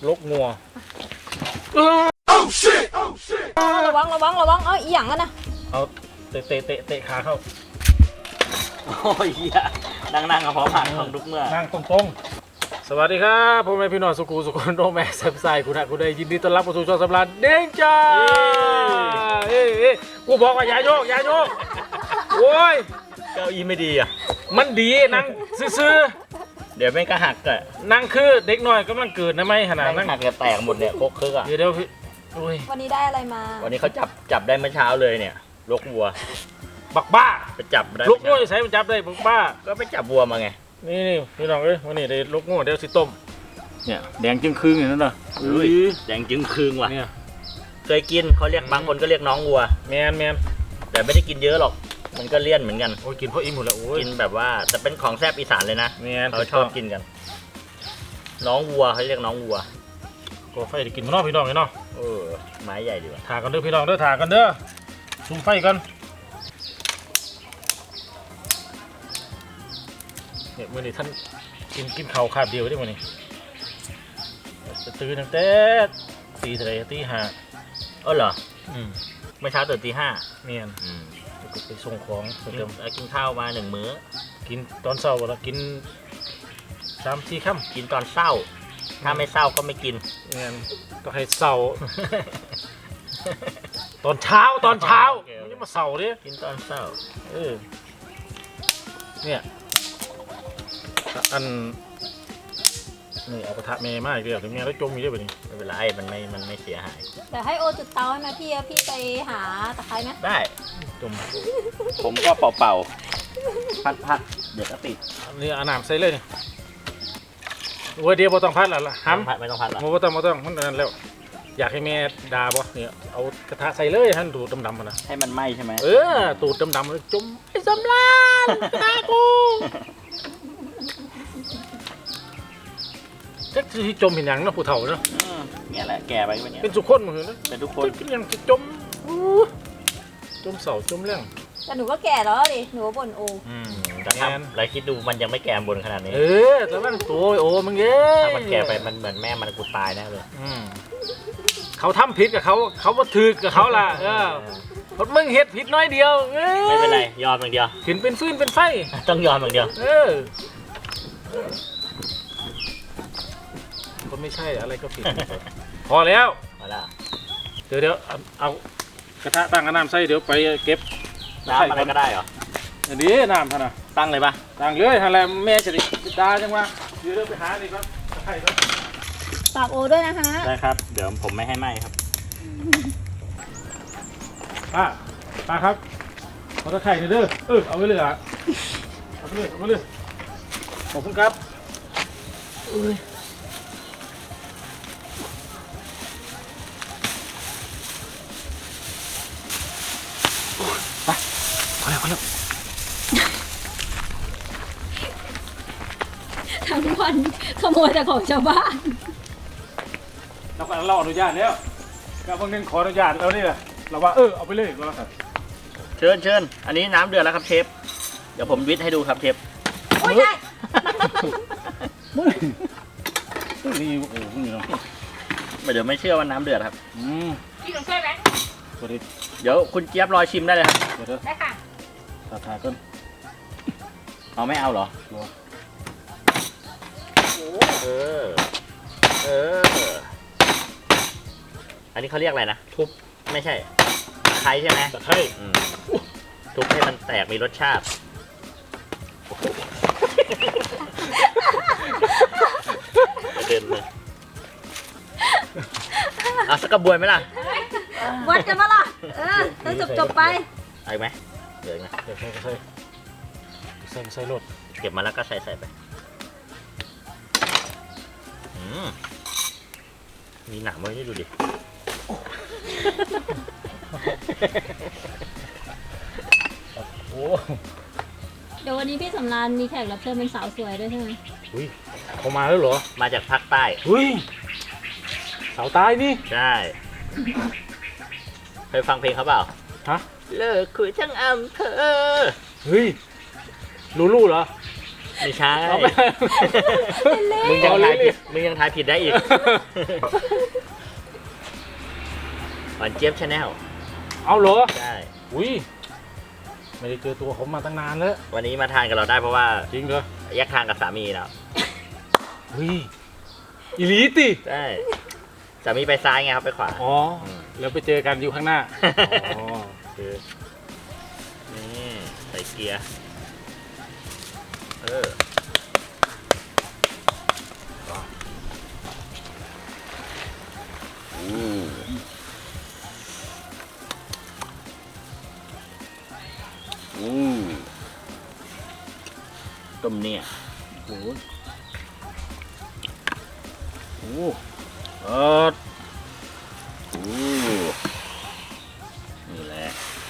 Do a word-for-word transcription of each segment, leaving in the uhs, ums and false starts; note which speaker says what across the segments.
Speaker 1: ลกงัว
Speaker 2: ระวังระวังระวังเอ้ยอีหยังกันนะ
Speaker 1: เอาเตะเตะเตะเตะขาเข้า
Speaker 3: โอ้ยเหี้ยนั่งนั่งกับพร้อมหักของทุกเมื่อ
Speaker 1: นั่งตรงๆสวัสดีครับพ่อแม่พี่น้องสุขุสุขนโนแม่แซมไซคุณะคุณได้ยินดีต้อนรับเข้าสู่ช่องสำราญเด้งจ้าเอ้ยกูบอกว่าอย่าโยกอย่าโยกโอ้ย
Speaker 3: เก้าอี้ไม่ดีอ่ะ
Speaker 1: มันดีนั่งซื่อ
Speaker 3: เดี๋ยวไม่ก็หักอ่ะ
Speaker 1: นั่งคือเด็กน้อยกำลังเกิดนะไม่ขนาดนั่ง
Speaker 3: หักจะแตกหมดเนี่ยโคกคึกอ่ะ
Speaker 1: เดี๋ยวเดี๋ยวพี่
Speaker 2: วันนี้ได้อะไรมา
Speaker 3: วันนี้เขาจับจับได้เมื่อเช้าเลยเนี่ยลกวัว
Speaker 1: บักบ้า
Speaker 3: ไปจับได้
Speaker 1: ลกงัวใส่มันจับได้บักบ้า
Speaker 3: ก็ไปจับวัวมาไง
Speaker 1: นี่นี่พี่น้องเอ้ยวันนี้ได้ลกงัวเดี๋ยวสิต้มเนี่ยแดงจึงคืงอย่างนั้นเหรอ
Speaker 3: อุ้ยแดงจึงคืงว่ะ
Speaker 1: เนี่ย
Speaker 3: เคยกินเขาเรียกบางคนก็เรียกน้องวัว
Speaker 1: แมนแมน
Speaker 3: แต่ไม่ได้กินเยอะหรอกมันก็เลี่ยนเหมือนกัน
Speaker 1: โอ้ยกินเพราะอิ่มหมดแล้วโอ้ย
Speaker 3: กินแบบว่าแต่เป็นของแซ่บอีสานเลยนะ
Speaker 1: แมน
Speaker 3: เขาชอบกินกันน้องวัวเขาเรียกน้องวัว
Speaker 1: ก็ไฟได้กินมานอกพี่น้องไงเนาะ
Speaker 3: เออไม้ใหญ่ดีว่ะ
Speaker 1: ถากันเด้อพี่น้องเด้อถากันเด้อซุ่มไฟกันเนี่ยมื่อนี้ท่านกินกินข้าวคาบเดียวได้มื่อนี้จะตื่นตั้งแต่ตีเท่าไรตีห้า
Speaker 3: เออเหรอ
Speaker 1: อืม
Speaker 3: เมื่อเช้าตื่นตีห้า
Speaker 1: เมียน
Speaker 3: อืม
Speaker 1: ไปส่งของ
Speaker 3: กินกินข้าวมาหนึ่งมื้อ
Speaker 1: กินตอนเช้าแล้วกินสามสี่ค่
Speaker 3: ำกินตอนเช้าถ้าไม่เช้าก็ไม่กิน
Speaker 1: เมียนก็ให้เช้าตอนเช้าตอนเช้าไม่ใช่มาเช้าดิ
Speaker 3: กินตอนเช้า
Speaker 1: เออเนี่ยอันนี่เอากระทะเมย์มากเดียวถึงแม้แล้วจมอยู่ด้วยแบบนี้
Speaker 3: ไม่เป็นไรมันไม่มันไม่เสียหาย
Speaker 2: แต่ให้โอจุดเตาให้ไหมพี่พี่ไปหาตะไคร้ไหม
Speaker 3: ได้
Speaker 1: จม
Speaker 3: ผมก็เป่าๆพัดพัดเดี๋ยวก็ติด
Speaker 1: นี่อาน้ำใส่เลยนี่วัวเดียวบ่ต้องพัดแล้วล่ะห้
Speaker 3: ำไม่ต้องพัดหรอ
Speaker 1: บ่ต้องบ่ต้องมันนั่นแล้วอยากให้แม่ด่าบ่เนี่ยเอากระทะใส่เลยให้ตูดดำๆมันนะ
Speaker 3: ให้มันไหม้ใช่ไหม
Speaker 1: เออตูดดำๆเลยจมไอ้สำราญกระทะกูเจ๊ที่จมเห็นอย่างนะผู้เฒ่าเนาะ
Speaker 3: เนี่ยแหละแก่ไปเป็น
Speaker 1: เป็นทุกคนเหมือนกัน
Speaker 3: เป็นทุกคน
Speaker 1: ยังจมจมเสาจมเรื่อง
Speaker 2: แต่หนูก็แก่แล้วดิหนูบ่นโอ
Speaker 3: แต่ถ้าเราคิดดูมันยังไม่แก่บนขนาดนี้
Speaker 1: เออแต่มันตัวโอ้มึงเอ้
Speaker 3: ถ้ามันแก่ไปมันเหมือนแม่มันกูตายแน่เลย
Speaker 1: เขาทำผิดกับเขาเขาก็ถือกับเขาล่ะเออพอมึงเฮ็ดผิดน้อยเดียว
Speaker 3: ไม่เป็นไรยอมอย่างเดียว
Speaker 1: เห็นเป็นฟืนเป็นไฟ
Speaker 3: ต้องยอมอย่างเดียว
Speaker 1: เออคนไม่ใช่อะไรก็ผิดพอแล้ว
Speaker 3: พอแล้ว
Speaker 1: เดี๋ยวเดี๋ยวเอากระทะตั้งน้ำใส่เดี๋ยวไปเก็บ
Speaker 3: น้ำอะไรก็ได้เหรอ
Speaker 1: ดีน้ำท่านน่ะ
Speaker 3: ตั้งเลยปะ
Speaker 1: ตั้งเลยอะไรแม่จะได้ด่าจังวะเดี๋ยวเดี๋ยวไปหาดีครับใช่ครับ
Speaker 2: ฝากโอด้วยนะคะ
Speaker 3: ได้ครับเดี๋ยวผมไม่ให้ไหมครับ
Speaker 1: ป้าป้าครับขอตะไคร้หน่อยเด้อเออเอาไปเลยอ่ะเอาไปเลยเอาไปเลยขอบคุณครับไปพอแล้วพอแล้ว
Speaker 2: ทั้งวันขโมยแต่ของชาวบ้าน
Speaker 1: เราก็เราอนุญาตแล้วกับบางนึงขออนุญาตแล้วนี่แหละเราว่าเออเอาไปเลยก็แล้วกัน
Speaker 3: เชิญเชิญอันนี้น้ำเดือดแล้วครับเชฟเดี๋ยวผมวิทย์ให้ดูครับเชฟ
Speaker 2: โอ้ยได้
Speaker 1: นี่โอ้โหนี่เนาะ
Speaker 3: เดี๋ยวไม่เชื่อว่าน้ำเดือดครับ
Speaker 1: อืม
Speaker 2: พี่ต้องช่วยไหม
Speaker 3: เดี๋ยวคุณเจี๊ยบรอชิมได้เลยครับ
Speaker 2: ได้ค่ะ
Speaker 1: ตาทาก้น
Speaker 3: เอาไม่เอาเหรอเออเอออันนี้เขาเรียกอะไรนะ
Speaker 1: ทุบ
Speaker 3: ไม่ใช่ตะไคร้ใช่ไหม
Speaker 1: ตะไคร้
Speaker 3: ทุบให้มันแตกมีรสชาติเดินเลยเอาสักกระบวยไหมล่ะ
Speaker 2: วัดกันมาล่ะเออแล้วจบจบไป
Speaker 3: ไอ้ไหมเดี๋ยวนะ
Speaker 1: เดี๋ยวใส่ใส่ใส่ใส่รถ
Speaker 3: เก็บมาแล้วก็ใส่ใส่ไปมีหนามไว้ให้ดูดิ
Speaker 1: โอ้
Speaker 2: เดี๋ยววันนี้พี่สำราญมีแขกรับเชิญเป็นสาวสวยด้วยใช่ไหม
Speaker 1: อุ้ยเขามาแล้วเหรอ
Speaker 3: มาจากภาคใต้
Speaker 1: อุ้ยสาวใต้นี่
Speaker 3: ใช่เคยฟังเพลงเขาเปล่า
Speaker 1: ฮะ
Speaker 3: เลิกคุยทั้งอำเภอ
Speaker 1: เฮ้ยลูลูเหรอ
Speaker 3: ไม่ใช่
Speaker 1: เอาไป
Speaker 3: มึงยังทายผิดมึงยังทายผิดได้อีกหวานเจี๊ยบชาแนล
Speaker 1: เอาเหรอ
Speaker 3: ใช่
Speaker 1: อุ้ยไม่ได้เจอตัวผมมาตั้งนานแล้ว
Speaker 3: วันนี้มาทานกับเราได้เพราะว่า
Speaker 1: จริงเหรอ
Speaker 3: แยกทางกับสามีแล้ว
Speaker 1: เฮ้ยอีหลีติ
Speaker 3: ใช่สามีไปซ้ายไงครับไปขวา
Speaker 1: อ๋อแล้วไปเจอกันอยู่ข้างหน้าอ๋อโอเค
Speaker 3: นี่ใส่เกียร์เอออืมอืมต้มเนี่ย
Speaker 1: โอ้ยโอ้เออ
Speaker 3: โอ้นี่แหละ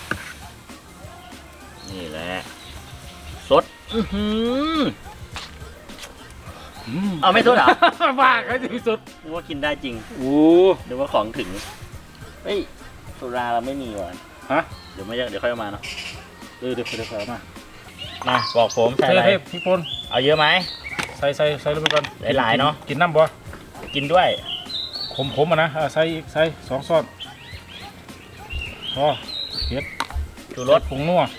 Speaker 3: นี่แหละ สด อือหือ เอาไม่สดเหรอ
Speaker 1: บ้าเขาที่สุด
Speaker 3: นึกว่ากินได้จริง
Speaker 1: โอ้
Speaker 3: นึกว่าของถึง เฮ้ยสุราเราไม่มีว่ะ
Speaker 1: ฮะ
Speaker 3: เดี๋ยวไม่เยอะเดี๋ยวค่อยเอามาเนาะ
Speaker 1: เออเดี๋ยวเดี๋ยวเอามา
Speaker 3: มาบอกผมใส่อะไร
Speaker 1: เฮ้ยพี่ปน
Speaker 3: เอาเยอะไหม
Speaker 1: ใส่ใส่ใส่ลงไปก่อน
Speaker 3: หลายๆเนอะ
Speaker 1: กินน้ำบ่
Speaker 3: กินด้วย
Speaker 1: ขมขมอ่ะนะอ่ะใส่อีกใส่สองซ้อนพอเผ็ด
Speaker 3: ชูรส
Speaker 1: ผงนัว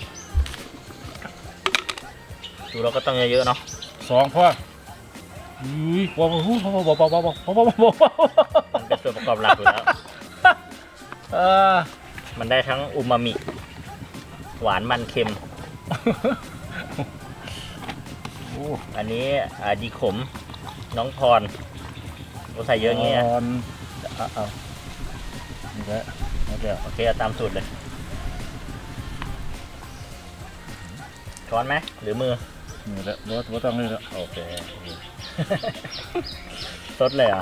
Speaker 3: ชูรสก็ต้องเยอะๆเนาะ
Speaker 1: สองพออุ้ยพอพอพอพอพอพอพอพอพอพอพอ
Speaker 3: มันเป็นส่วนประกอบหลักอยู่แล้ว
Speaker 1: เออ
Speaker 3: มันได้ทั้งอูมามิ หวานมันเค็ม
Speaker 1: โอ้
Speaker 3: อันนี้อ่าดีขม น้องพรโอ้ใส่เยอะอย่างเงี้ย
Speaker 1: อ่อนเอาเอานี่แหละนี่แหละ
Speaker 3: โอเคเอาตามสูตรเลย ช้อนไหมหรือมือ
Speaker 1: นี่แหละรสรสต้องนี่แหละ
Speaker 3: โอเค สดเลยเหรอ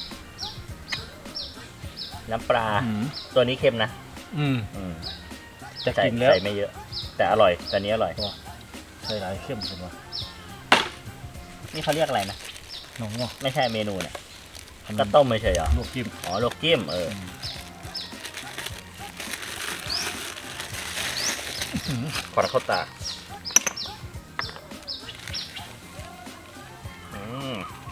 Speaker 3: น้ำปลา
Speaker 1: อืม
Speaker 3: ตัวนี้เค็มนะ
Speaker 1: อืม
Speaker 3: อืม
Speaker 1: จะ
Speaker 3: ใส่
Speaker 1: กินแล้ว
Speaker 3: ใส่ไม่เยอะ แต่อร่อยแต่นี้อร่อย
Speaker 1: ใส่หลายเข้มกันวะ
Speaker 3: นี่เขาเรียกอะไรนะ
Speaker 1: น้องว่า
Speaker 3: ไม่ใช่เมนูเนี่ยก็ต้มไม่ใช่เหรอ
Speaker 1: ลวกจิ้ม
Speaker 3: อ๋อลวกจิ้มเอออขอเข้าตาอืม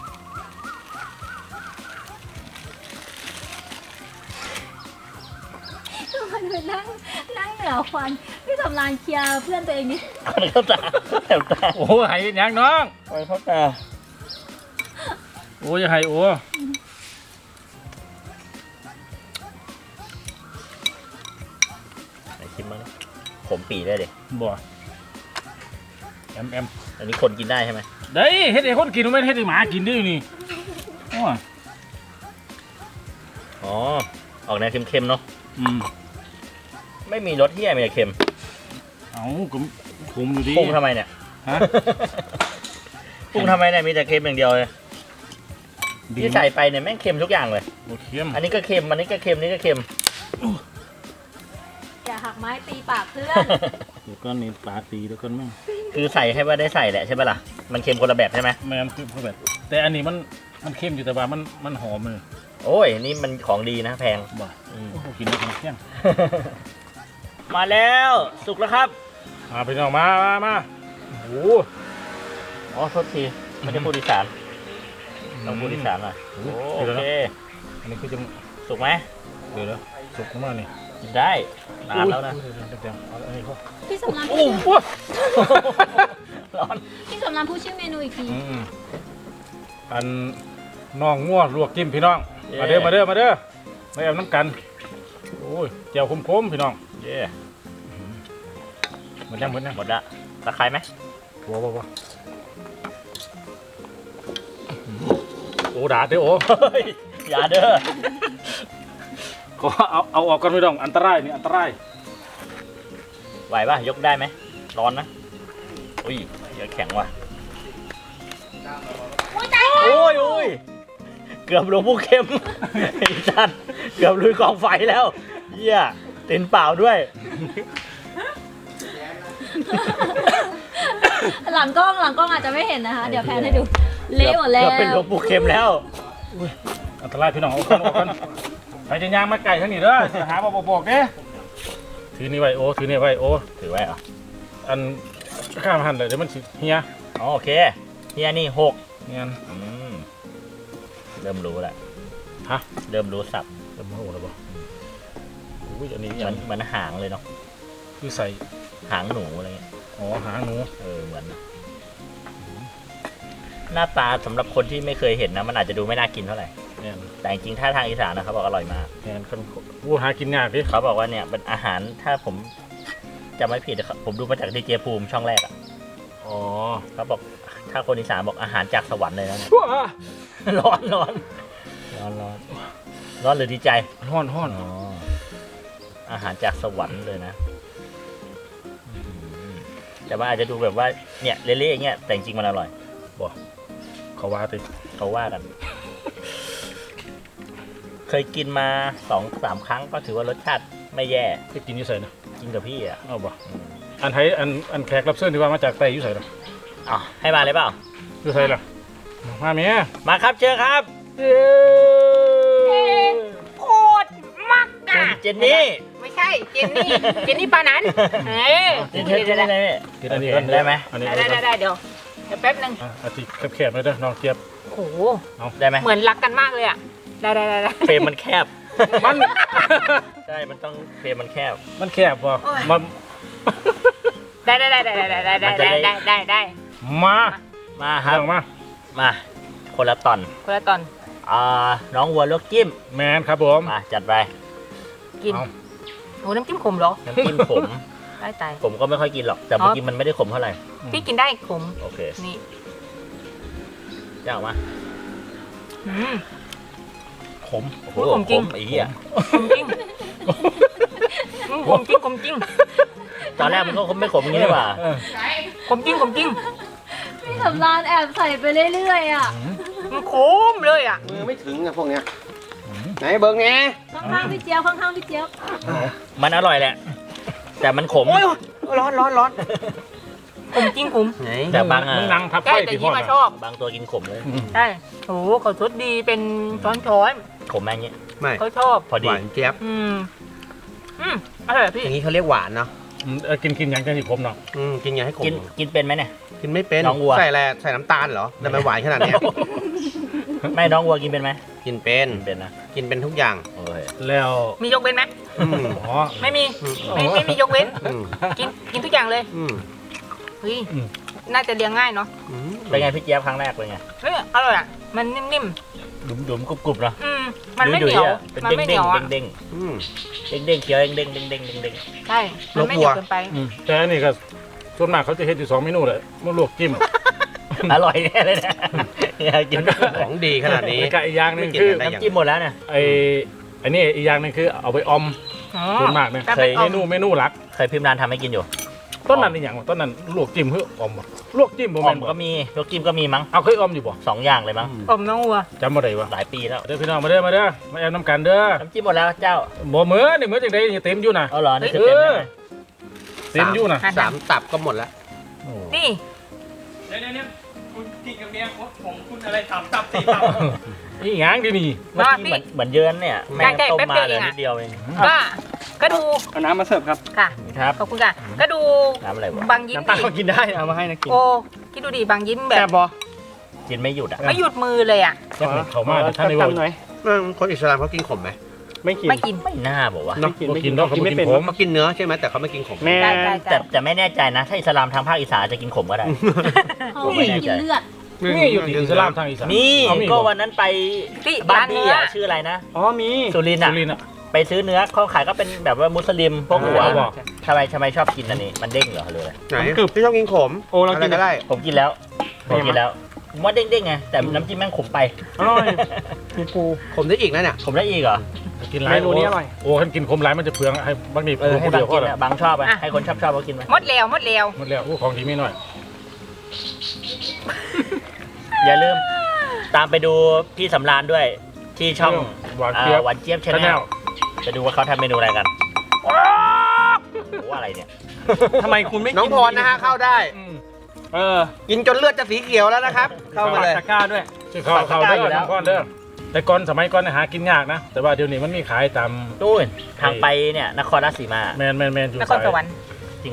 Speaker 2: มันไปนั่งนั่งเหนือควันพี่สำรานเคลียร์เพื่อนตัวเองนี่
Speaker 3: ขอเข้าตาแถวตา
Speaker 1: โอ้หายยังน้อง
Speaker 3: ขอเข้าตา
Speaker 1: โอ้ยหายโอ้
Speaker 3: ไหนชิมบ้างดิผมปีได้ดิ
Speaker 1: บ่แอมแอม
Speaker 3: อันนี้คนกินได้ใช่ไหม
Speaker 1: ได้เฮ็ดให้คนกินไม่เฮ็ดให้หมากินได้อยู่นี่โอ้ย
Speaker 3: อ๋อออกแนวเค็มๆเนาะ
Speaker 1: อืม
Speaker 3: ไม่มีรสเที่ยมีแต่เค็ม
Speaker 1: เอาก็คุมอยู่ดี
Speaker 3: ปรุงทำไมเนี่ย
Speaker 1: ฮะ
Speaker 3: ปรุงทำไมเนี่ยมีแต่เค็มอย่างเดียวเลย
Speaker 1: ดี
Speaker 3: ที่ใส่ไปเนี่ยแม่งเค็มทุกอย่างเลย
Speaker 1: โอเค็ม
Speaker 3: อันนี้ก็เค็ม อันนี้ก็เค็ม นี่ก็เค็ม
Speaker 2: อย่าหักไม้ตีปากเพื่อน
Speaker 1: เดี๋ยวก็นี่ปลาตีแล้วก็แม่ง
Speaker 3: คือใส่ให้ว่าได้ใส่แหละใช่ไหมล่ะ มันเค็มคนละแบบใช่ไหม
Speaker 1: แม่งคือเขาแบบแต่อันนี้มันมันเค็มอยู่แต่ว่ามันมันหอมเลย
Speaker 3: โอ้ย นี่มันของดีนะแพง
Speaker 1: บ่
Speaker 3: อืม
Speaker 1: โอ้โหกินแล้วกินเที่ยง
Speaker 3: มาแล้วสุกแล้วครับ
Speaker 1: มาไปน้องมามามาโอ้โห
Speaker 3: อ๋อโทษทีไม่ได้พูดอีสานต้องพูดอีสานหน่อย
Speaker 1: โอ้
Speaker 3: โอ
Speaker 1: โหเดี๋ยว
Speaker 3: เค
Speaker 1: นะอันนี้คือจะ
Speaker 3: สุกไหม
Speaker 1: เดี๋ยวนะสุกมากนี่
Speaker 3: กินได้นานแล้วนะ
Speaker 1: อุ้ยเดี๋ยวเดี๋ยวเอาอันนี้เข้า
Speaker 2: พี่สำราน
Speaker 1: โอ้โห
Speaker 3: ร้อน
Speaker 2: พี่สำรานพูดชื่อเมนูอีกที
Speaker 1: อืมอันน้องง่วลวกจิ้มพี่น้อง มาเด้อมาเด้อมาเด้อมาเอาน้ำกัน โอ้ยเจียวคมๆพี่น้อง
Speaker 3: เย่
Speaker 1: หมันยังหมดยัง
Speaker 3: หมดละตะไคร้ไหม
Speaker 1: ว้าวว้าวโอ้ด่าเด้อโอ้
Speaker 3: เฮ้ยอย่าเด้อ
Speaker 1: ก็เอาเอาออกกันพี่น้องอันตรายนี่อันตราย
Speaker 3: ไหวป่ะ ยกได้ไหม ร้อนนะ อุ้ยเดี๋ยวแข็งว่ะ
Speaker 2: โอ้ยตาย
Speaker 3: โอ้ยโอ้ยเกือบหลวงผู้เข้ม ไอ้จันเกือบลุยกองไฟแล้วเยี่ยเต็นเปล่าด้วย
Speaker 2: หลังกล้องหลังกล้องอาจจะไม่เห็นนะคะ เดี๋ยวแพนให้ดู เละหมดแล้
Speaker 3: เกื
Speaker 2: ว
Speaker 3: อบเป็นหลวงปู่เข้มแล้ว
Speaker 1: อันตรายพี่น้องเอากันเอากันใครจะย่างมาไก่ทั้งนี้เด้อสิหาบอกบอกเด้ถือนี่ไว้โอ้ถือนี่ไว้โอ้
Speaker 3: ถือไว้เหรอ
Speaker 1: อันข้ามหันเลยเดี๋ยวมันสิเฮีย
Speaker 3: อ๋อโอเคเฮียนี่หก
Speaker 1: เนี่ย
Speaker 3: อืมเริ่มรู้แล้ว
Speaker 1: ฮะ
Speaker 3: เริ่มรู้สับ
Speaker 1: เริ่มโหแล้วบ่อุ้ยอันนี้
Speaker 3: เหมือนเหมือนหางเลยเนาะ
Speaker 1: คือใส่
Speaker 3: หางหนูอะไรเงี้ย
Speaker 1: อ๋อหางหนู
Speaker 3: เออเหมือนนะหน้าตาสำหรับคนที่ไม่เคยเห็นนะมันอาจจะดูไม่น่ากินเท่าไหร่
Speaker 1: เนี่ย
Speaker 3: แต่จริงๆถ้าทางอีสานนะเขาบอกอร่อยมาก
Speaker 1: เนี่ยคนวูหากินยากดิ
Speaker 3: เขาบอกว่าเนี่ยเป็นอาหารถ้าผมจำไม่ผิดนะครับผมดูมาจากดีเจภูมิช่องแรกอ่ะ
Speaker 1: อ๋อ
Speaker 3: เขาบอกถ้าคนอีสานบอกอาหารจากสวรรค์เลยนะเนี่ย
Speaker 1: ว้า
Speaker 3: ร้อนร้อนร้อนร้อนร้อนหรือดีใจ
Speaker 1: ห้อนห้อน
Speaker 3: อ๋ออาหารจากสวรรค์เลยนะอืมแต่ว่าอาจจะดูแบบว่าเนี่ยเละๆอย่างเงี้ยแต่จริงๆมันอร่อย
Speaker 1: เขาว่าติ
Speaker 3: เขาว่ากัน เคยกินมาสองสามครั้งก็ถือว่ารสชาติไม่แย่
Speaker 1: ที่กินอยี่ใส่นะ
Speaker 3: กินกับพี่อ่ะ
Speaker 1: เอาบ่อันไทยอันอันแขกรับเชิญที่ว่ามาจากไต้อยี่ใส่หรอ
Speaker 3: อ๋อให้มาเลยเปล่า
Speaker 1: ยี่ใส่หรอมาเมีย
Speaker 3: มาครับเชิญครับ
Speaker 1: เย้
Speaker 4: โคตรมัก
Speaker 3: คุ
Speaker 4: อ่ะ
Speaker 3: ณเจนนี่
Speaker 4: ไม่ใช่เจนนี่ เจนนี่ปานั้นเฮ้ย
Speaker 3: เจนนี่เจนนี่ได้ไหม
Speaker 1: กินอันนี้
Speaker 3: โอเคได้ไหม
Speaker 1: อันนี้
Speaker 4: ได้ได้ได้เดี๋ยวเดี๋ยวแป๊บนึง
Speaker 1: อ่ะอาทิแคบๆเลยเด้อน้องเจี๊ยบ
Speaker 4: โอ้โห
Speaker 3: ได้ไหม
Speaker 4: เหมือนรักกันมากเลยอ่ะ ได้ได้ได้ได้
Speaker 3: เฟรมมันแคบ
Speaker 1: มัน
Speaker 3: ใช่มันต้องเฟรมมันแคบ
Speaker 1: มันแคบบ่มัน
Speaker 4: ได้ได้ได้ได้ได้ได้ได้ได้ได้ได้ได้
Speaker 1: มา
Speaker 3: มาครับ
Speaker 1: เรื่องมา
Speaker 3: มาคนละตอน
Speaker 4: คนละตอน
Speaker 3: อ่าน้องวัวลวกจิ้ม
Speaker 1: แมนครับผม
Speaker 3: มาจัดไป
Speaker 4: กิน
Speaker 1: เอา
Speaker 4: โอ้น้ำจิ้มขมเหรอ
Speaker 3: น้ำจิ้มขม
Speaker 4: ได้ตาย
Speaker 3: ผมก็ไม่ค่อยกินหรอกแต่เมื่อกี้มันไม่ได้ขมเท่าไหร่
Speaker 4: พี่กินได้ขม
Speaker 3: โอเค
Speaker 4: นี่
Speaker 3: เจ้ามา
Speaker 4: อืม
Speaker 1: ขม
Speaker 3: โอ้โห
Speaker 4: ขมจริง
Speaker 3: ไอ้เหี้ย
Speaker 4: ขมจริงอืมขมจริงขมจริง
Speaker 3: ตอนแรกมันก็คงไม่ขมอย่างนี้เลยว่ะ
Speaker 1: เออ
Speaker 4: ขมจริงขมจริง
Speaker 2: พี่สำรานแอบใส่ไปเรื่อยๆอ่ะ
Speaker 4: มันขมเลยอ่ะ
Speaker 5: มือไม่ถึงอะพวกเนี้ยไหนเบิ้งแน่
Speaker 2: ข้างๆพี่เจี๊ยบข้างๆพี่เจี๊ยบ
Speaker 3: มันอร่อยแหละ แต่มันขม
Speaker 4: โอ้ยร้อนร้อนร้อนขมจริงขม
Speaker 5: ไหน
Speaker 3: แต่บางอ่ะ
Speaker 1: มึงนั่งทับ
Speaker 4: ใช่
Speaker 1: ไฟ
Speaker 4: แต่
Speaker 1: ที่ห้
Speaker 4: ยี่
Speaker 1: อง
Speaker 4: มา
Speaker 1: อะ
Speaker 4: ชอบ
Speaker 3: บางตัวกินขมเลย
Speaker 4: ใช่โอ้โหเขาทดดีเป็นช้อนช้อน
Speaker 3: ขมแม่งเงี้ย
Speaker 5: ไม่
Speaker 4: เขาชอบ
Speaker 3: พอ
Speaker 5: ห
Speaker 3: ดี
Speaker 5: วานเจี๊ยบ
Speaker 4: อืม อืมอร่อยอะพี่
Speaker 5: อย่างนี้เขาเรียกหวานเนาะ
Speaker 1: อืมเออกินกินอย่างจังสิผมเนาะ
Speaker 5: อืมกินอย่างให้ขม
Speaker 3: กินกินเป็นไหมเนี่ย
Speaker 5: กินไม่เป็น
Speaker 3: น้องวัว
Speaker 5: ใส่อะไรใส่น้ำตาลเหรอแต่มันหวานขนาดเนี้ย
Speaker 3: ไม่น้องวัวกินเป็นไหม
Speaker 5: กินเป็น
Speaker 3: กินเป็นนะ
Speaker 5: กินเป็นทุกอย่าง
Speaker 3: โอเค
Speaker 1: แล้ว
Speaker 4: มียกเว้นไหม
Speaker 5: อืม
Speaker 1: อ๋อ
Speaker 4: ไม่มี
Speaker 5: อืม
Speaker 4: ไม่ไม่มียกเว้น
Speaker 5: อืม
Speaker 4: กินกินทุกอย่างเลย
Speaker 5: อืม
Speaker 4: เฮ้ย
Speaker 1: อืม
Speaker 4: น่าจะเลี้ยงง่ายเนาะ
Speaker 5: อืม
Speaker 3: เป็นไงพี่เจี๊ยบครั้งแรกเป็นไง
Speaker 4: เฮ้ยอร่อยอ่ะมันนิ่ม
Speaker 3: ดุมดุมๆกรุบกรุบๆเนาะ
Speaker 4: ๆอืมมันไม่เหนียว
Speaker 3: ๆเป็น
Speaker 4: มัน
Speaker 3: เด้ง
Speaker 4: ไม่เห
Speaker 3: เด้
Speaker 4: นี
Speaker 3: ง
Speaker 4: ยวอ่ะ
Speaker 3: เด้ง
Speaker 5: อืม
Speaker 3: เด้งเด้งๆเคี้ยวเด้งเด้งเด้งเด้งเด้ง
Speaker 4: ใช่มันไม่เหนียวเกินไป
Speaker 1: อืมแต่อันนี้ก็ส่วนมากเขาจะเฮ็ดอยู่สองเมนูเลยมันลวกจิ้ม
Speaker 3: ๆอร่อยแน่เลยนะอยากกิน
Speaker 5: ของดีขนาดนี้
Speaker 1: แล้วก็อีกอย่างหนึง
Speaker 5: ไม่กิน
Speaker 1: คือ
Speaker 5: ได้
Speaker 3: น้ำจิ้มหมดแล้วเนี่ย
Speaker 1: ไอ้อันนี้อีกอย่างหนึงคือเอาไปออม
Speaker 4: อ๋อ
Speaker 1: ส่วนมากเนี่ย
Speaker 4: แต่
Speaker 3: เคย
Speaker 4: เป็น
Speaker 1: เม
Speaker 4: ออม
Speaker 1: นูเมนูหลัก
Speaker 3: เคยพิมพ์ร้านทำให้กินอยู่
Speaker 1: ต้นนั้นอีหยังวะต้นนั้นลวกจิ้มเพื่อออมบ่ลวกจิ้มบ่
Speaker 3: ออ
Speaker 1: แม่
Speaker 3: ม
Speaker 1: นบ่
Speaker 3: ก็มีลวกจิ้มก็มีมั้ง
Speaker 1: เอาเคยออมอยู่บ่
Speaker 3: สองอย่างเลยมั้ง
Speaker 4: อมน้องวัว
Speaker 1: จำบ่ได้วะ
Speaker 3: หลายปีแล้ว
Speaker 1: เด้อพี่น้องมาเด้อมาเด้อมาแอบน้ำกันเด้อ
Speaker 3: น้ำจิ้มหมดแล้วเจ้า
Speaker 1: บ่เหมือนนี่เหมือนจังไดนี่เต็มอยู่น่ะ
Speaker 3: เอาเหรอนี่คือเต็มแล้วไหม
Speaker 1: เต็มอยู่น่ะ
Speaker 4: หั่น
Speaker 5: สามตับก็หมดแล้ว
Speaker 1: โอ้
Speaker 4: นี่
Speaker 6: เดี๋ยวเดี๋ยวคุณกินกับเมียผมคุณอะไรสามตับสี่ตับ
Speaker 1: อีหยังดินี่
Speaker 3: เมื่อกี้เหมือนเหมือนเยินเนี่ยแม่งต้มมาเลยนิดเดียวเอง
Speaker 4: ก็ก็ดู
Speaker 6: เอาน้ำมาเสิร์ฟครับ
Speaker 4: ค่ะ
Speaker 3: ครับ
Speaker 4: ขอบคุณค่ะ ก็ดู
Speaker 3: น้ำอะไรวะ
Speaker 4: บางยิ้ม
Speaker 6: น้ำตาล
Speaker 4: ดิ
Speaker 6: ก็กินได้เอามาให้นะกิน
Speaker 4: โอ้คิดดูดิบางยิ้มแบ
Speaker 6: แซ่
Speaker 4: บบ
Speaker 6: ปะ
Speaker 3: กินไม่หยุดอ่ะ
Speaker 4: ไม่หยุดมือเลยอ่ะ
Speaker 1: แซ่บเข้ามาท่านได้
Speaker 6: ตั
Speaker 1: บ่
Speaker 6: หน่อย
Speaker 5: อืมคนอิสลามเขากินขมไหม
Speaker 6: ไม่กิน
Speaker 4: ไม่กิน
Speaker 3: ไม่น่าบอกว่า
Speaker 6: ไม่กิน
Speaker 1: บ่
Speaker 6: ไม่
Speaker 1: กิ
Speaker 6: กิ
Speaker 1: น
Speaker 6: น
Speaker 1: ดอกเขา
Speaker 6: กิน
Speaker 1: บ่
Speaker 6: ไม่
Speaker 1: กิน
Speaker 6: เป็น
Speaker 1: ผม
Speaker 5: เขากินเนื้อใช่ไหมแต่เขาไม่กินขม
Speaker 6: แม่
Speaker 4: ใช่ใช่ใช่
Speaker 3: แต่แต่ไม่แน่ใจนะ ถ้าอิสลามทางภาคอีสานจะกินขมก็ได้
Speaker 2: เขา
Speaker 3: ผมไม่
Speaker 2: ไม่
Speaker 3: แน่
Speaker 2: กิ
Speaker 3: ใจ
Speaker 2: นเลือด
Speaker 1: นี่อยู่ที่อิสลามทางอีสาน
Speaker 3: มี
Speaker 1: เอามี
Speaker 3: ก็
Speaker 1: บ่
Speaker 3: วันนั้นไป
Speaker 4: ที่
Speaker 3: บ้า
Speaker 4: ร้าน น
Speaker 3: พี่
Speaker 4: เนื้อ
Speaker 3: อ่ะชื่ออะไรนะ
Speaker 6: อ๋อมี
Speaker 3: สุรินทร์
Speaker 1: สุ
Speaker 3: อ่ะ
Speaker 1: รินทร์อ่ะ
Speaker 3: ไปซื้อเนื้อเขาขายก็เป็นแบบว่ามุสลิมพวกหัว
Speaker 1: เอาบอก
Speaker 3: ทำไมทำไมชอบกินอันนี้ มันเด้งเหรอหรืออะไร
Speaker 5: ไหนพี่ชอบกินขม
Speaker 6: โอ้เรา
Speaker 5: อะไร
Speaker 6: กิน
Speaker 5: ก็ได้
Speaker 3: ผมกินแล้วผมกินแล้วผมว่าเด้งๆไงแต่น้ำจิ้มแม่งขมไป
Speaker 6: อร่อยมีปู
Speaker 5: ขมได้อีกนะเนี่ย
Speaker 3: ผมได้อีกเหรอ
Speaker 1: กินหลาย
Speaker 6: เมนูนี้อร่อย
Speaker 1: โอ้คันกินคมหลายมันจะเปลืองให้บางที
Speaker 3: เออให้
Speaker 1: ผู้
Speaker 3: บา
Speaker 1: เดี
Speaker 3: ง
Speaker 1: ยวก็
Speaker 3: กิน
Speaker 1: ได้
Speaker 3: อะบางชอบอะให้คนชอบชอบก็กินไหม
Speaker 4: หมดแล้วหมดแล้ว
Speaker 1: หมดแล้วโอ้ของดีไม่น้อย
Speaker 3: อย่าลืมตามไปดูพี่สำราญด้วยที่ช่อง
Speaker 1: หวาน
Speaker 3: เอ่
Speaker 1: เจี๊ย
Speaker 3: อบ หวานเจี๊ยบชา
Speaker 1: ชา
Speaker 3: แน
Speaker 1: แน
Speaker 3: ล
Speaker 1: ล
Speaker 3: ไปดูว่าเขาทำเมนูอะไรกันโอ้โหอะไรเนี่ย
Speaker 6: ทำไมคุณไม่กิ
Speaker 5: น้องพรนะฮะเข้าได้
Speaker 6: เออ
Speaker 5: กินจนเลือดจะสีเขียวแล้วนะครับ เข้ามาเลย
Speaker 6: ตะกร้าด้วย
Speaker 1: ชื่อเขาเขาเด้อน้องก้อนเด้อแต่ก่อนสมัยก่อนเนี่ยหากินยากนะ แต่ว่าเดี๋ยวนี้มันมีขายตาม
Speaker 3: นู่นทางไปเนี่ยนครราชสีมา
Speaker 1: แมนแมนแมนอยู่
Speaker 4: นคร
Speaker 1: สาย
Speaker 4: สวรรค์
Speaker 3: จริงเหรอ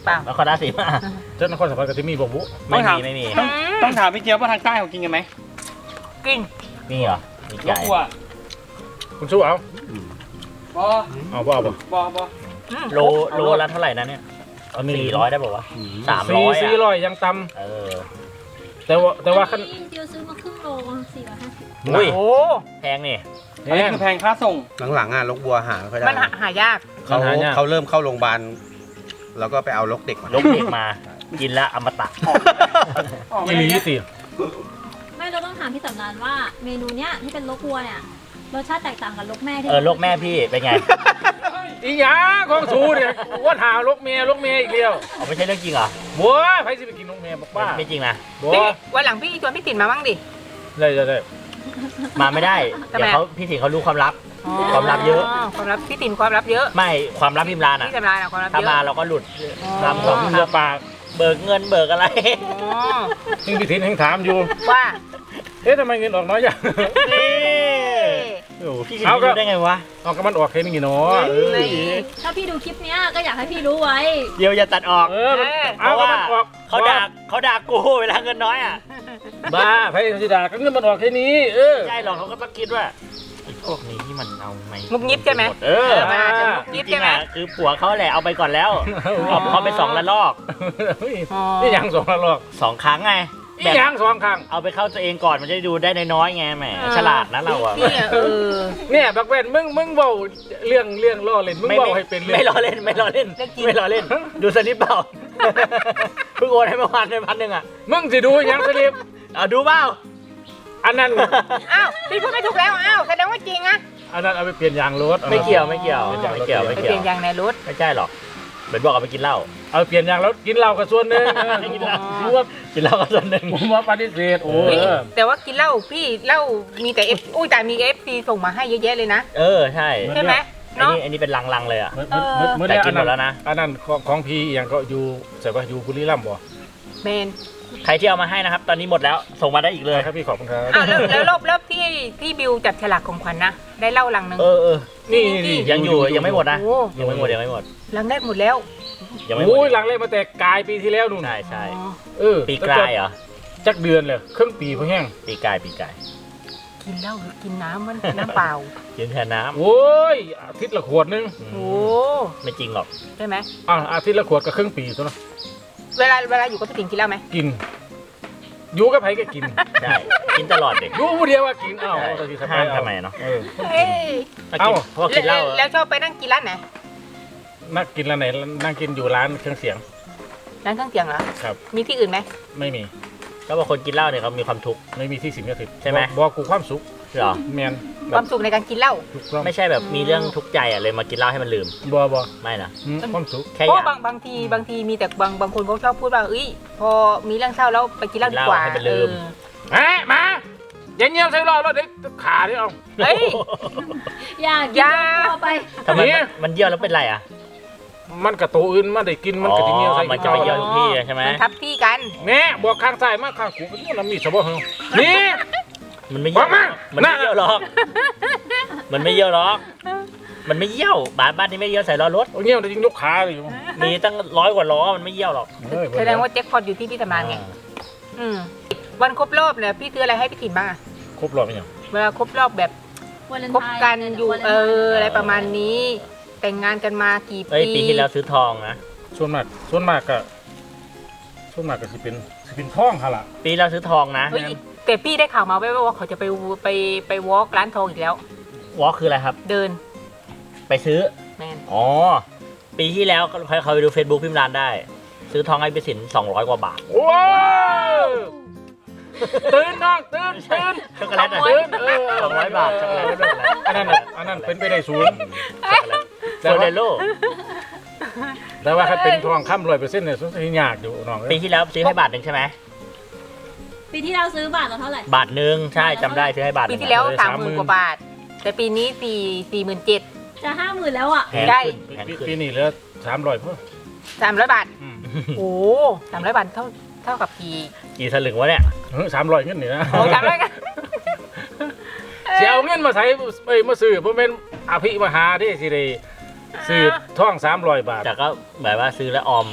Speaker 4: เปล่าน
Speaker 3: ครราชสีมา
Speaker 1: เจ้านครสวรรค์กับที่มีบ่บุ
Speaker 3: ไม่มีไม่มี
Speaker 6: ต้องต้องถามพี่เจี๊ยบว่าทางใต้เขากินกันไหม
Speaker 4: กิน
Speaker 3: มีเหรอมี
Speaker 6: ร
Speaker 3: ไก่
Speaker 6: ถวัว
Speaker 1: คุณสู้เอา
Speaker 6: บอ
Speaker 1: เอาบ่เอาบ่
Speaker 6: บอบอ
Speaker 4: อืม
Speaker 3: โลโลละเท่าไหร่นะเนี่ย
Speaker 1: เอานี่
Speaker 3: สี่ร้อยได้ป่าวะสาม
Speaker 1: สี่
Speaker 3: ร้อย
Speaker 1: สี่
Speaker 3: อ่ะ
Speaker 1: ร้อยยังต่
Speaker 3: เออ
Speaker 1: ำแต่ว่าแต่ว่าขั้น
Speaker 2: อันนี้เดียวซื้อมาครึ่งโลสี่ร้อยห้าสิบ
Speaker 3: อุ้ย
Speaker 4: โอ้
Speaker 3: แพงนี่
Speaker 1: แพ
Speaker 6: อันนี้
Speaker 1: ง
Speaker 6: คือแพงค่าส่ง
Speaker 5: หลังๆอ่ะลกบัวหาไม่ค่อยได้
Speaker 4: มันหาหายาก
Speaker 5: เขา
Speaker 1: หายาก
Speaker 5: เขาเริ่มเข้าโรงพยาบาลแล้วก็ไปเอาลกเด็กมา
Speaker 3: ลกเด็กมา กินแล้วอมตะ
Speaker 1: อีหลีสิ
Speaker 2: ไม่เราต้องถามพี่สำรานว่าเมนูเนี้ยที่เป็นลกวัวเนี่ยรสชาติแตกต่างกับลกแม่ที่
Speaker 3: เออลกแม่พี่เป็นไง
Speaker 1: อีหยาของสูเนี่ยว่าหาลกเมียลกเมียอีกเดียว
Speaker 3: อ๋อไม่ใช่เรื่องจริงเหรอ
Speaker 1: บัวใครสิไปกินลกเมียบอกป้า
Speaker 3: ไม่จริงนะ
Speaker 1: บัว
Speaker 4: พี่วันหลังพี่ชวนพี่ติ๋นมาบ้างดิ
Speaker 1: ได้ได้ได้
Speaker 3: มาไม่ได้
Speaker 4: ทำไม
Speaker 3: เดี๋ยวเขาพี่สิงห์เขารู้ความลับ ความลับเยอะ
Speaker 4: ความลับพี่ติ๋นความลับเยอะ
Speaker 3: ไม่ความลับพิมรานอ่ะ
Speaker 4: พี่สำรานอะความลับ
Speaker 3: ถ้า
Speaker 4: เย
Speaker 3: มา
Speaker 4: อะ
Speaker 3: เราก็หลุด
Speaker 4: อ๋อ
Speaker 3: ลำสอง
Speaker 1: เรือปาก
Speaker 3: เบิกเงินเบิกอะไร
Speaker 4: อ๋อ
Speaker 1: ยิ่งพิถินยังถามอยู่
Speaker 4: ว่า
Speaker 1: เอ๊ะทำไมเงินออกน้อยจัง
Speaker 3: นี่
Speaker 1: โอ้โห
Speaker 3: พี่สิง
Speaker 1: เอา
Speaker 3: ห์
Speaker 1: ก็
Speaker 3: รู้ได้ไงวะ
Speaker 1: เอาก็มันออกแค่นี้เนาะเออ
Speaker 4: ไม่
Speaker 2: ถ้าพี่ดูคลิปเนี้ยก็อยากให้พี่รู้ไว้
Speaker 3: เดี๋ยวอย่าตัดออก
Speaker 1: เออมัน
Speaker 4: เออ
Speaker 1: เอาก็มันออก
Speaker 3: เขาด่าเขาด่ากูเวลาเงินน้อยอ่ะ
Speaker 1: บ้าไพ่สิดาก็เงินมันออกแค่นี้ เออ
Speaker 3: ไม่ใช่หรอกเขาก็ต้องคิดว่าไอ้พวกนี้ที่มันเอาไม่
Speaker 4: งุบงิบใช่ไหม
Speaker 3: เออ
Speaker 4: มันอาจจะงุบ
Speaker 3: จ
Speaker 4: งิบ
Speaker 3: ริ
Speaker 4: ใช่
Speaker 3: ง
Speaker 4: ไห
Speaker 3: ๆ
Speaker 4: ม
Speaker 3: อ่ะคือผัวเขาแหละเอาไปก่อนแล้วเอาเขาไปสองละลอก
Speaker 4: อ๋อ
Speaker 1: นี่ยังสองละลอก
Speaker 3: สองครั้งไง
Speaker 1: นี่ยังสองครั้ง
Speaker 3: เอาไปเข้าตัวเองก่อนมันจะได้ดูได้น้อยๆไงแหมฉลาดนะเราอ่ะ
Speaker 4: พี่อะเออ
Speaker 1: เนี่ยบักแว่นมึงมึงเว้าเรื่องเรื่องล่อเล่นมึงเว้าให้เป็นเรื่อง
Speaker 3: ไม่ล้อเล่นไม่ล้อเล่น
Speaker 4: เรื่องจริง
Speaker 3: ไม่ล้อเล่น ดูสลิปเปล่า เพิ่งโอนให้เมื่อวานไปพันหนึ่งอ่ะ
Speaker 1: มึงสิดูยังสลิป
Speaker 3: เอาดูเปล่า
Speaker 1: อันนั้น
Speaker 4: อ้าวพี่พูดไม่ถูกแล้วอ้าวแสดงว่าจริงอะ
Speaker 1: อันนั้นเอาไปเปลี่ยนยางรถ
Speaker 3: ไม่เกี่ยวไม่เกี่ยวไม่เกี่ยว
Speaker 4: ไป
Speaker 3: ไม่
Speaker 4: เป
Speaker 3: เกี่ย
Speaker 4: ลี่
Speaker 3: วย
Speaker 4: นยางในรถ
Speaker 3: ไม่ใช่หรอกเหมือนบอกเอาไปกินเหล้า
Speaker 1: เอาเปลี่ยนยางแล้วกินเหล้ากับส่วนหนึ่งเออ
Speaker 3: กินเหล้า
Speaker 1: รู้ว่า
Speaker 3: กินเหล้าก็ส่วนหนึ่ง
Speaker 1: ผมว่าปฏิเสธโอ้
Speaker 4: เฮ้ย
Speaker 1: เออ
Speaker 4: แต่ว่ากินเหล้าพี่เหล้ามีแต่เอฟอุ้ยแต่มีเอฟซีส่งมาให้เยอะแยะเลยนะ
Speaker 3: เออใช่
Speaker 4: ใช่ไหม
Speaker 3: อัน
Speaker 4: เนาะ
Speaker 3: นี้อันนี้เป็นลังๆเลยอ่ะ
Speaker 1: เมื่อเมื่อเมื่อ
Speaker 3: แต่
Speaker 1: เนี้ย
Speaker 3: กินหมดแล้วนะ
Speaker 1: อันนั้นของของพี่อหย่างก็อยู่ใส่ว่าอยู่บุรีรัมย์บ่
Speaker 4: เมน
Speaker 3: ใครที่เอามาให้นะครับ ตอนนี้หมดแล้วส่งมาได้อีกเลย
Speaker 1: ครับพี่ขอบคุณครับ
Speaker 4: อ้าวแล้วแล้วรอบรอบที่ที่บิวจับฉลากของขวัญนะได้เหล้าลังหนึ่ง
Speaker 3: เออเออ
Speaker 1: นี่
Speaker 4: นี่
Speaker 1: นี่
Speaker 3: ยังอยู่ยังไม่หมดนะ
Speaker 4: โอ้
Speaker 3: ยังไม่หมดยังไม่หมด
Speaker 4: ลังแรกหมดแล้ว
Speaker 3: ยังไม่หม
Speaker 1: โอ้ย
Speaker 3: ด
Speaker 1: หลังเล่นมาแต่กายปีที่แล้วนู่น
Speaker 3: ใช่ใช่
Speaker 4: อ๋อ
Speaker 1: เออ
Speaker 3: ปีกลายเหรอ
Speaker 1: จักเดือนเลยครึ่งปีพอแห้ง
Speaker 3: ปีกลายปีกลาย
Speaker 4: กินเหล้าหรือกินน้ำมันน้ำเปล่า
Speaker 3: กินแทนน้ำ
Speaker 1: โอ้ยอาทิตย์ละขวดนึง
Speaker 3: อืม
Speaker 4: โอ้
Speaker 3: ไม่จริงหรอก
Speaker 4: ใช่ไหม
Speaker 1: อ่ะอาทิตย์ละขวดก็ครึ่งปีตัวเนาะ
Speaker 4: เวลาเวลาอยู่กับพี่ติ๋งกินเหล้าไหม
Speaker 1: กินอยู่กับไผก็กิน
Speaker 3: ใช่กินตลอดเด็ก
Speaker 1: อยู่ผู้เดียวว่ากินอ้าว
Speaker 3: ใช่
Speaker 1: ตอนที่
Speaker 3: ห้ามทำไมเนาะ
Speaker 1: เออ
Speaker 4: เอ้ย
Speaker 3: ถ้ากิน
Speaker 1: เอ้า
Speaker 3: เพราะว่ากินเหล้า
Speaker 4: แล้วแล้วชอบไปนั่งกินร้านไหน
Speaker 1: นักกินร้านไหนนั่งกินอยู่ร้านเครื่องเสียง
Speaker 4: ร้านเครื่องเสียงเหรอ
Speaker 1: ครับ
Speaker 4: มีที่อื่นไหม
Speaker 1: ไม่มี
Speaker 3: ก็บอกคนกินเหล้าเนี่ยเขามีความทุกข์
Speaker 1: ไม่มีที่สิงสถิต
Speaker 3: ใช่ไหม
Speaker 1: บอกกูความสุข
Speaker 3: เหรอ
Speaker 1: แมน
Speaker 4: ความสุขในการกินเหล้า
Speaker 1: ถูกต้อง
Speaker 3: ไม่ใช่แบบมีเรื่องทุกข์ใจอ่ะเลยมากินเหล้าให้มันลืม
Speaker 1: บ่บ่
Speaker 3: ไม่นะ
Speaker 1: อืมความสุข
Speaker 3: แค่
Speaker 4: เพ
Speaker 3: อ
Speaker 4: ราะ
Speaker 3: ยาก
Speaker 4: บางบางทีบางทีมีแต่บางบางคนเขาชอบพูดว่าเอ้ยพอมีเรื่องเศร้าแล้วไปกินเหล้าดีกว่า
Speaker 3: กินเหล้าให้มันลืม
Speaker 4: เออ
Speaker 1: เฮ้ยมาอย่าเงี้ยวใส่รอรถเด็กขาดิเอา
Speaker 4: เฮ้ย
Speaker 2: อยากกิน
Speaker 4: อย่า
Speaker 2: ตัวไป
Speaker 3: ทำไม
Speaker 1: เนี่
Speaker 3: มัน
Speaker 1: ย
Speaker 3: มันเยี่ยวแล้วเป็นไรอ่ะ
Speaker 1: มันกับตัวอื่นมาได้กินมันกับที่เงี้ยวใส่
Speaker 3: มันจะไปเยี่ยวทุกที่ใช่ไหม
Speaker 4: มันทับที่กัน
Speaker 1: แม่บอกข้างซ้ายมาข้างกูเป็นมันมีสบเหรอนี่
Speaker 3: มันไม่เยี่ยว
Speaker 1: บอกมา
Speaker 3: มันไม่
Speaker 1: น่ะ
Speaker 3: เยี่ยวหรอก มันไม่เยี่ยวหรอก มันไม่เยี่ยวบ้านบ้านนี้ไม่เยี่ยวใส่ล้อรถ
Speaker 1: เอาเงี้ยวแต่ยิงยกขาเลย
Speaker 3: มีตั้งร้อยกว่าล้อมันไม่เยี่ยวหรอก
Speaker 1: เฮ้ย
Speaker 4: แสดงว่าแจ็คพอตอยู่ที่พี่สำรานไงอืมวันครบรอบเนี่ยพี่ซื้ออะไรให้พี่ติ๋มบ้างอะ
Speaker 1: ครบรอบไหมยัง
Speaker 4: เวลาครบรอบแบบ
Speaker 2: วาเลน
Speaker 4: คบ
Speaker 2: ไทน์
Speaker 4: กันอยู่
Speaker 2: วาเลน
Speaker 4: เอ
Speaker 2: ไทน์
Speaker 4: ออะไรประมาณนี้ แต่งงานกันมากี่
Speaker 3: เอ้ย
Speaker 4: ปี
Speaker 3: ปีที่แล้วซื้อทองนะ
Speaker 1: ส่วนมากส่วนมากก็ส่วนมากก็สิเป็นสิเป็นท้องฮะล่ะ
Speaker 3: ปีที่แล้วซื้อทองนะ
Speaker 4: เฮ้ยแต่พี่ได้ข่าวมาแว่วๆว่าเขาจะไปไปไปวอล์กร้านทองอีกแล้ว
Speaker 3: วอลคืออะไรครับ
Speaker 4: เดิน
Speaker 3: ไปซื้อ
Speaker 4: แมน
Speaker 3: อ๋อ ปีที่แล้วใครเขาไปดู Facebook พิมพ์ร้านได้ ซื้อทองให้ไปสินสองร้อยกว่าบาท
Speaker 1: ว้าวตื่นน้องตื่นตื่น
Speaker 3: ช็อกโกแลตอ่ะ
Speaker 1: ตื่นเออ
Speaker 3: สองร้อยบาทช็อกโกแลตช็อกโกแลต
Speaker 1: อันนั้นน่ะอันนั้นเป็นไปได้ศูนย์
Speaker 3: ช็อกโกแลตโซเลโล
Speaker 1: แต่ว่าถ้าเป็นทองคำร้อยเปอร์เซ็นต์เนี่ยสุดที่ยากอยู่น้องเอ้ย
Speaker 3: ปีที่แล้วซื้อให้บาทหนึ่งใช่ไหม
Speaker 2: ปีที่เราซื้อบาทละเท่าไหร่
Speaker 3: บาทหนึ่งใช่จำได้ซื้อให้บาทห
Speaker 4: ปี
Speaker 3: นึ่ง
Speaker 4: ที่แล้วสามหมื่นกว่าบาท แต่ปีนี้สี่สี่หมื่นเจ็ด
Speaker 2: จะห้าหมื่นแล้วอ่ะ
Speaker 3: แพง
Speaker 4: ได้
Speaker 3: ขึ้นแพง
Speaker 1: ปี
Speaker 3: ขึ้น
Speaker 1: ปีนี้เหลือสามร้อยเพิ่ม
Speaker 4: สามร้อยบาท
Speaker 1: อืม
Speaker 4: โอ้สามร้อยบาทเท่าเท่ากับกี่
Speaker 3: กี่สลึงวะเนี่ย
Speaker 1: สามร้อยเงินนี่นะ
Speaker 4: โอ้สามร้อยกัน
Speaker 1: เสียเอาเงินมาใส่เอ้ยมาซื้อเพราะเป็นอภิมหาที่สิได้ซื้อท่องสามร้อยบาท
Speaker 3: แต่ก็แบบว่าซื้อแล้วออมไง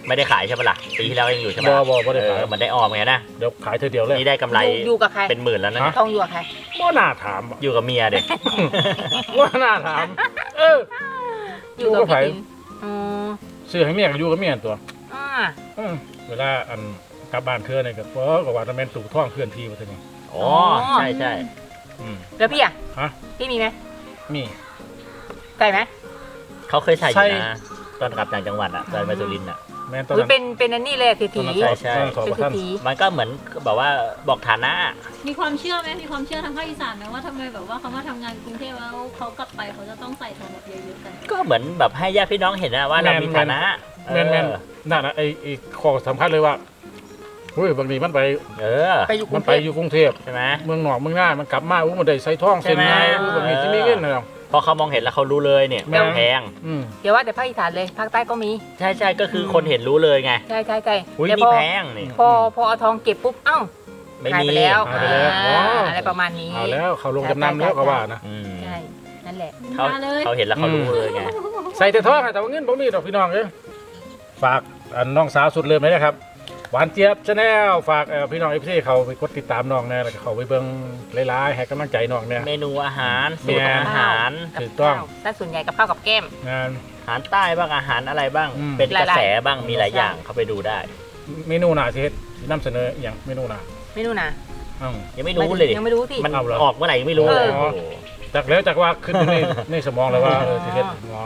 Speaker 3: ไม่ได้ขายใช่ปะล่ะปีที่แล้วยังอยู่ใช่ไหม
Speaker 1: บ่บ่บ่ได้ขาย
Speaker 3: เออมันได้ออมไงนะ
Speaker 1: เดี๋ยวขายเธอเดียวเลย
Speaker 3: นี่ได้กำไร
Speaker 4: อยู่อยู่กับใคร
Speaker 3: เป็นหมื่นแล้วนะ
Speaker 1: ฮะ
Speaker 4: ทองอยู่กับใคร
Speaker 1: บ่น่าถามอะ
Speaker 3: อยู่กับเมียเด็ก
Speaker 1: ว่าน่าถาม เออ
Speaker 4: อยู่กับ
Speaker 1: อยู่กับใคร
Speaker 4: พี่ตินอ๋อ
Speaker 1: ซื้อให้เมียก็อยู่กับเมียตัว
Speaker 4: อ่า
Speaker 1: อืมเวลาอันกลับบ้านเธอเนี่ยก็บ่ก็ว่าจะแม่นตู่ท่องเคลื่อนที่ว่าซั่นนี่
Speaker 3: อ๋อใช่ใช่
Speaker 1: อืม
Speaker 4: แล้วพี่อ่ะ
Speaker 1: ฮะ
Speaker 4: พี่มีไหม
Speaker 1: มี
Speaker 4: ใส่ไหม
Speaker 3: เขาเคยใส่อ
Speaker 1: ใช่
Speaker 3: ยู่นะตอนกลับต่างจังหวัดอ่ะตอนไปสุรินทร์อ่ะ
Speaker 1: แม่นตอน
Speaker 4: อุ๊ย
Speaker 1: นั้น
Speaker 4: เป็นเป็นอันนี้เลยถี
Speaker 1: ตอน
Speaker 4: ถี
Speaker 1: นั้น
Speaker 3: ใช่
Speaker 1: สอบ
Speaker 3: ใช่
Speaker 1: ตอนนั้นสอบ
Speaker 4: เป็น
Speaker 1: กับท่าน
Speaker 4: ถี
Speaker 3: มันก็เหมือนแบบว่าบอกฐานะ
Speaker 2: มีความเชื่อไหมมีความเชื่อทางภาคอีสานไหมว่าทำไมแบบว่าเขามาทำงานกรุงเทพแล้วเขากลับไปเขาจะต้องใส่ทองแบบเยอะๆกัน
Speaker 3: ก็เหมือนแบบให้ญาติพี่น้องเห็นนะว่าเรามีฐานะ
Speaker 1: แม่นแม่น
Speaker 3: เออ
Speaker 1: นั่นน่ะไอ้ไอ้ข้อสำคัญเลยว่าเฮ้ยบางทีมันไป
Speaker 3: เออ
Speaker 4: ไปอยู่ก
Speaker 1: มั
Speaker 4: รุ
Speaker 1: น
Speaker 4: ง
Speaker 1: ไป
Speaker 4: เทพ
Speaker 1: อยู่กรุงเทพ
Speaker 3: ใช่ไหม
Speaker 1: เมืองนอกเมืองหน้ามันกลับมาอู้มันได้ใส่ท่องเส้นไง
Speaker 3: ใช่ไหม
Speaker 1: อู้แบบนี้ที่มีเงินนะ
Speaker 3: พอเขามองเห็นแล้วเขารู้เลยเนี่ย
Speaker 1: แม่
Speaker 3: แพง
Speaker 1: อืม
Speaker 4: เดี๋ยวว่าแต่ภาคอีสานเลยภาคใต้ก็มี
Speaker 3: ใช่ใช่ก็คือคนเห็นรู้เลยไง
Speaker 4: ใช่ใช่ใช่
Speaker 3: อุ้ย
Speaker 4: แต่
Speaker 3: นี่
Speaker 4: พอ
Speaker 3: แพงนี่
Speaker 4: พอพอเอาทองเก็บปุ๊บเอ้า
Speaker 3: ไม่
Speaker 4: หาย
Speaker 3: มี
Speaker 4: ไปแล้ว
Speaker 1: หายไปแล้วอ๋อ
Speaker 4: อ่าอะไรประมาณนี้
Speaker 1: เอาแล้วเขาลงจำนำแล้วก็ว่านะ
Speaker 3: อืม
Speaker 4: ใช่นั่นแหละ
Speaker 3: เขา
Speaker 2: มาเลย
Speaker 3: เขาเห็นแล้วเขารู้เลยไง
Speaker 1: ใส่แต่ท่องอะแต่ว่าเงินผมมีดอกพี่น้องเอ้ยฝากอันน้องสาวสุดเริ่มเลยนะครับหวานเจี๊ยบชาแนลฝากเอ่อพี่น้องเอฟซีเขาไปกดติดตามน้องแน่แล้วก็เขาไปเบิ่งหลายๆให้กำลังใจน้องเนี่ย
Speaker 3: เมนูอาหารสูตรอาหาร
Speaker 4: กับ
Speaker 1: ถูกต้อง
Speaker 4: ข้าวถ้าส่วนใหญ่กับข้าวกับแก้ม
Speaker 1: งาน
Speaker 3: อาหารใต้บ้างอาหารอะไรบ้าง
Speaker 1: อืม
Speaker 3: เป็นกระแส
Speaker 4: หลายๆ
Speaker 3: บ้างมีหลายอย่างเขาไปดูได้
Speaker 1: เมนูหนาสิเฮ็ดสินำเสนออหย่างเมนูหนา
Speaker 4: ไม่รู้นะ
Speaker 1: อ้าว
Speaker 3: ยังไม่รู้เลยดิ
Speaker 4: ยังไม่รู้ที่
Speaker 3: มัน
Speaker 1: เอาเหรอ
Speaker 3: ออกเมื่อไหร่ยังไม่รู้เลย
Speaker 1: เออ จากแล้วจากว่าขึ้นอยู่ใน ในสมองแล้วว่าเออสิเฮ็ดอ๋อบ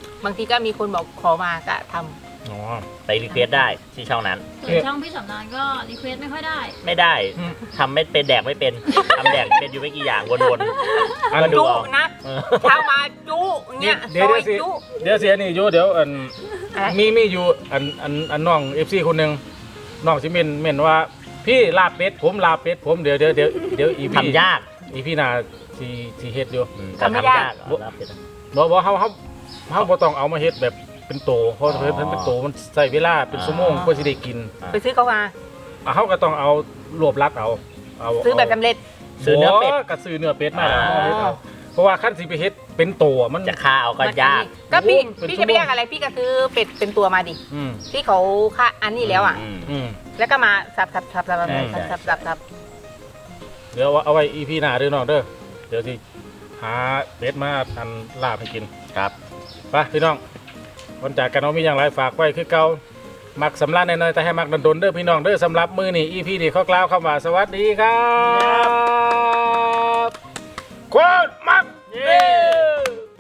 Speaker 4: างทีก็มีคนบอกขอมาก็ท
Speaker 1: อ๋อ
Speaker 3: ไปรีเควสได้ที่ช่องนั้น
Speaker 2: ส่วนช่องพี่สำนานก็รีเควสไม่ค่อยได้
Speaker 3: ไม่ได้
Speaker 1: อืม
Speaker 3: ทำไม่เป็นแดกไม่เป็นทำแดกเป็นอยู่ไม่กี่อย่างวน
Speaker 1: อัน
Speaker 3: ก็
Speaker 4: ำ
Speaker 3: ดู
Speaker 4: จุ
Speaker 3: เอา
Speaker 4: นะ
Speaker 3: ๆเออ
Speaker 4: เช้ามาจุเนี่ย
Speaker 1: เดี๋ยว
Speaker 4: ซอย
Speaker 1: เดี๋ยวสิ
Speaker 4: จุ
Speaker 1: เดี๋ยวเสียนี่อยู่เดี๋ยวอัน
Speaker 4: อะไร
Speaker 1: มีมีอยู่อันอันอันน้องเอฟซีคนหนึ่งน้องสิเมนเมนว่าพี่ลาบเป็ดผมลาบเป็ดผมเดี๋ยวเดี๋ยวเดี๋ยวเดี๋ยวอีพี
Speaker 3: ทำยาก
Speaker 1: อีพีหน้าสิสิเฮ็ดอยู่
Speaker 3: อืมแต่ทำยากเหรอรับเป็น
Speaker 1: บ่บ่เฮาเฮาเฮาบ่ต้องเอามาเฮ็ดแบบเป็นโตเพราะ
Speaker 3: อ๋อ
Speaker 1: เพิ่นเพิ่นเป็นโตมันใช้เวลาเป็นชั่วโมง
Speaker 3: อ่า
Speaker 1: กว่าสิได้กิน
Speaker 4: ไปซื้อเขามา
Speaker 1: อ่ะเฮาก็ต้องเอารวบรัดเอาเอา
Speaker 4: ซื้อแบบสำเร็จ
Speaker 3: ซื้อเนื้อเป็ด
Speaker 1: ก็ซื้อเนื้อเป็ดมาแล้ว
Speaker 3: อ่า
Speaker 1: เอาเฮ็ดเอาเพราะว่าคันสิไปเฮ็ดเป็นโตอะมัน
Speaker 3: จะฆ่าเอาก็ยาก
Speaker 4: ก็พี่
Speaker 1: โอ้เป็น
Speaker 4: พี่
Speaker 1: ชั่
Speaker 4: จะ
Speaker 1: วโมง
Speaker 4: ไม่ยากอะไรพี่ก็ซื้อเป็ดเป็นตัวมาดิ
Speaker 1: อืม
Speaker 4: ที่เขาค่าอันนี้แล้วอ่ะ
Speaker 3: ม
Speaker 1: อืม
Speaker 4: แล้วก็มาสับสับสับสับสับ
Speaker 3: ใช่
Speaker 4: สับสับสับสับ
Speaker 1: เดี๋ยวเอาไว้อีพีหน้าเด้อน้องเด้อเดี๋ยวสิหาเป็ดมาอันลาบให้กิน
Speaker 3: ครับ
Speaker 1: ไปพี่น้องวันจากกันเอามีอย่างไรฝากไว้คือเก่ามักสำลักแน่นอนแต่ให้มักดนๆเด้อพี่น้องเด้อสำหรับมือนี่อีพีนี่เขากล่าวคำว่าสวัสดีครับ